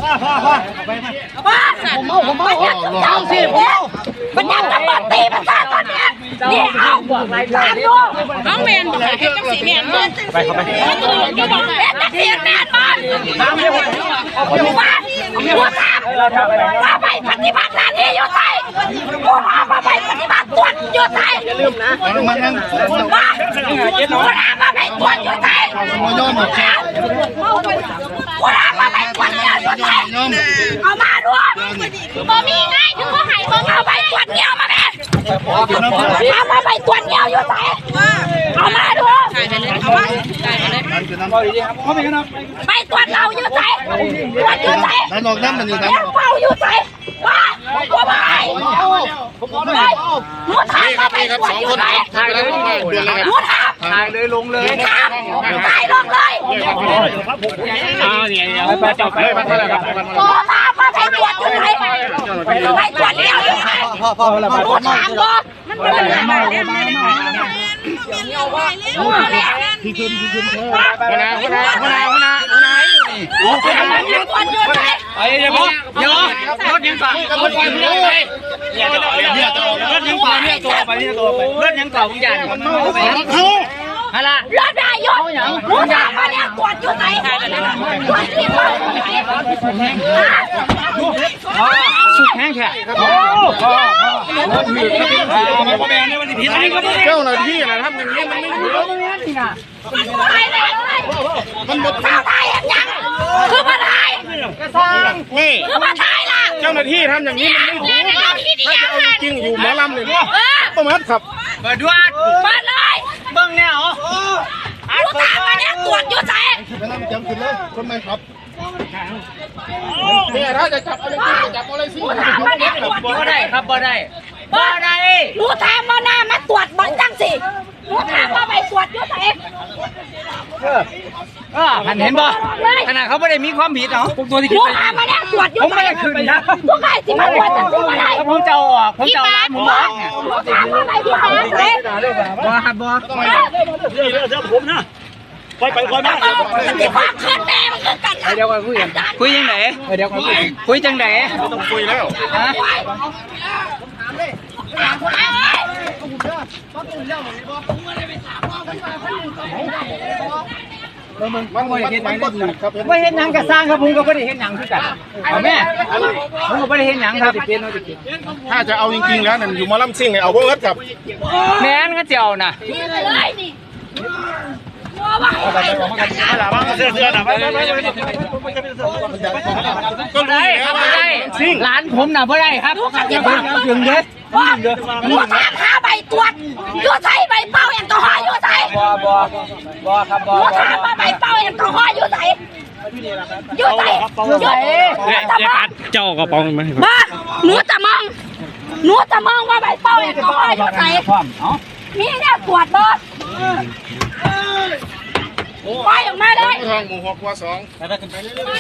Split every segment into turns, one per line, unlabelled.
ผมเมาเจ้าสิผมเมามันยังจะมาตีมันซะตอนนี้นี่เอาตามดูน้องแมนบอกให้เจ้าสีแมนไปเข้าไปจะบอกแมนจะเสียแมนมันอยู่บ้านอยู่บ้านมาไปปฏิบัติหน้าที่อยู่ไทยมาไปปฏิบัติตัวอยู่ไทยอย่าลืมนะมามาไปตัวอยู่ไทยมาไปตัวอยู่ไทยเอามาด้วยบ่มีไงถึงก็หายบ่เอาไปตัวเดียวมาแม่มาไปตัวเดียวอยู่ไทยเอามาด้วยเอามาไปตัวเราอยู่ไทยตัวอยู่ไทยแล้วนอกนั้นมันอยู่ไหนเฝ้าอยู่ไทยมาตัวไปหนูถ่ายมาไปตัวอยู่ไทยหนูถ่ายเลยลงเลยถ่ายลงเลยไปจับไปตัวมาไปตัวอยู่ไทยไปตัวเดียวอยู่ไทยหนูถามก่อนมันเป็นอะไรมาพี่ขึ้นหัวหน้าไอ้เดี๋ยวรถยังต่อรถยังต่อเนี่ยตัวไปเนี่ยตัวไปรถยังต่อผมยันอะไรรถได้ยกรถได้มาเนี่ยกวดอยู่ไหนกวดที่บ้านสุดแห้งแค่เจ้าหน้าที่นะทำอย่างนี้มันไม่รู้มันหมดทางไทยยังคือมาไทยนี่คือมาไทยล่ะเจ้าหน้าที่ทำอย่างนี้มันไม่ถูกถ้าจะเอาจริงอยู่หมอลำเลยต้องมัดขับเปิดด้วยเปิดเลยเบิ้งเนี่ยเหรอรู้ตามมาเนี่ยตรวจอยู่ใจไม่ต้องจำขึ้นเลยคนไม่ขับเนี่ยถ้าจะจับอะไรจริงจะจับอะไรสิบ่ได้ครับบ่ได้รู้ตามมาหน้ามาตรวจบังจังสิรู้ตามมาไปตรวจอยู่ใจเห็นบ่ขนาดเขาไม่ได้มีความผิดเนาะตัวที่คิดไปมาเนี่ยตรวจอยู่ผมไม่ได้คืนนะพวกใครสิมาตรวจจะซื้ออะไรผมจะร้านผมบอกเนี่ยถามว่าอะไรพี่มาเลยบ่ครับบ่เดี๋ยวผมนะไปมาที่ความคืนแม่มันคือกันเดี๋ยวกันคุยยังไงเดี๋ยวกันคุยจังไหนต้องคุยแล้วมันไม่เห็นหนังไม่เห็นหนังกระสร้างครับผมก็ไม่ได้เห็นหนังคือกันแม่ผมก็ไม่ได้เห็นหนังครับถ้าจะเอาจริงๆแล้วนั่นอยู่มาล่ำซิ่งเอาพวกนั้นกับแม่นก็เจ้าน่ะก็ได้ครับไม่ได้ร้านผมน่ะไม่ได้ครับถึงเด็ดหัวตามหาใบตรวจยูใส่ใบเป้าแอลกอฮอล์ยูใส่บ่ครับบ่หัวตามมาใบเป้าแอลกอฮอล์ยูใส่ยูใส่
เจ้ากระป๋องไหม
บ้าหนูจะมองว่าใบเป้าแอลกอฮอล์ยูใส่มีเนี่ยตรวจบ่ไปออกมาเลยทางหมู่6ว่า2ไปขึ้นไปเรื่อย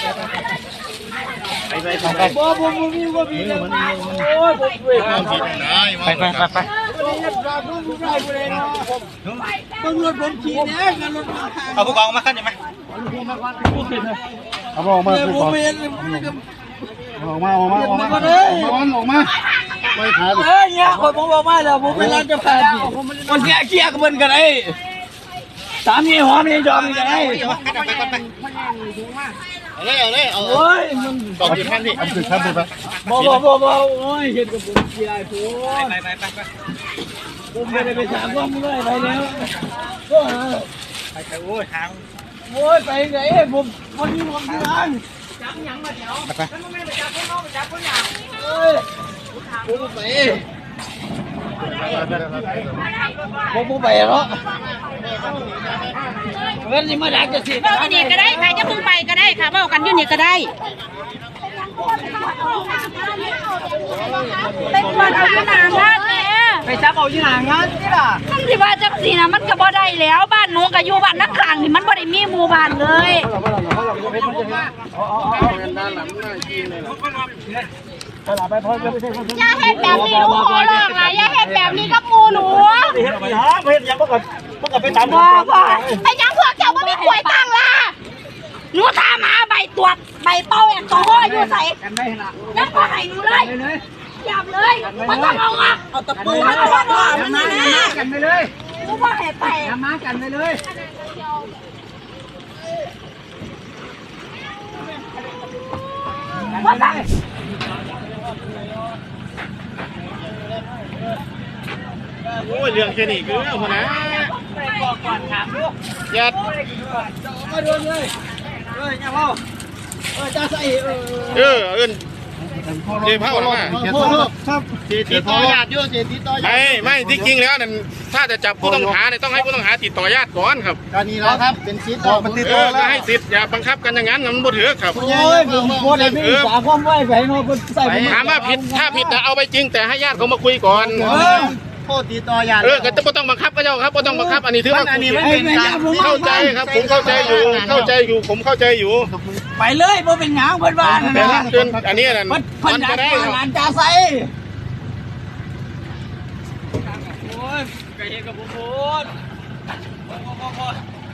ๆไปบ่มีโอ้ยไปตำรวจผมขี่เนี่ยกันรถ
เอาผู้กองมาขั้นยังไหม
เอาออกมาผู้กองออกมาไม่ขาด
เนี่ยคนผมบอกมาแล้วผมเป็นร้านจะขาดคนเกี้ยกับมันกันไอ้สามีหอมนี่ยอมกันไอ้
เอาโอ้ยมันบอกอยู่ท่านนี่อันสุดท่านไป
บ่โอ้ยเห็นกับผมเกี้ยผมไปผมไม่ได้ไปถามว่ามึงได้ไปแล้วก็
ไปโอ้ยทาง
ไปไงผมวันนี้ผมที่ร้านจับยังมาเดี๋ยวมันไม่ไปจับคนน้องไปจับคนอย่างผมไปแล้วเงินนี่มาดักจะสิ
เบ้ากันนี่ก็ได้ใครจะพึ่งไปก็ได้ค่ะเบ้ากันอยู่นี่ก็ได้เป็นวันเอาอยู่หนางานเลย
ไปจับเอาอยู่หนางานนี่ล่ะ
มันที่ว่าจังสีนะมันก็บ่ได้แล้วบ้านหนูก็อยู่บ้านนักข่างนี่มันบ่ได้มีหมู่บ้านเลยอย่าเฮ็ดแบบนี้ลูกขอร้องล่ะอย่าเฮ็ดแบบนี้กับหมู่หนู
เฮ็ดยังบ่ก็ไปตาม
บ่ไอ้ยังพวกเจ้าบ่มีกล้วยตั้งล่ะหนูถามหาใบตรวจใบเป้าแอลกอฮอล์อยู่ใส่นั่นก็ให้หนูเลยจับเลยมันต้องเอาอ่ะเอาตะปูมามันมากันไปเลยกูว่าให้ไปมากันไปเลย
โอ้ยเรื่องแค่นี้คือคนนะยัดมาโดนเลยเนี่ยพ่อจะใส่เอิ้นเดี๋ยวพ่อหรอมาครับติดต่อญาติเสียติดต่อญาติไม่จริงๆแล้วนั่นถ้าจะจับผู้ต้องหาเนี่ยต้องให้ผู้ต้องหาติดต่อญาติก่อนครับก็นี่แล้วครับเป็นสิทธิ์มันติดต่อแล้วให้สิทธิ์อย่าบังคับกันอย่างนั้นมันบ่ถือครับโอ้ยผมโคตรไม่สาความไว้ไปเนาะใส่ถามว่าผิดถ้าผิดเอาไปจริงแต่ให้ญาติเขามาคุยก่อนโทษติดต่อญาติก็จะต้องบังคับก็เจ้าครับก็ต้องบังคับอันนี้ถือว่าอันนี้ไม่เป็นการเข้าใจครับผมเข้าใจอยู่ผมเข้าใจอยู่
ไปเลยบ่เป็นหยังเพิ่นว่านั่น
แต่
น่ะ
เกินอันนี้นั่น
มันจะได้งานจ่าใส่โอ้ยไก่เฮ็ดกับผมโพด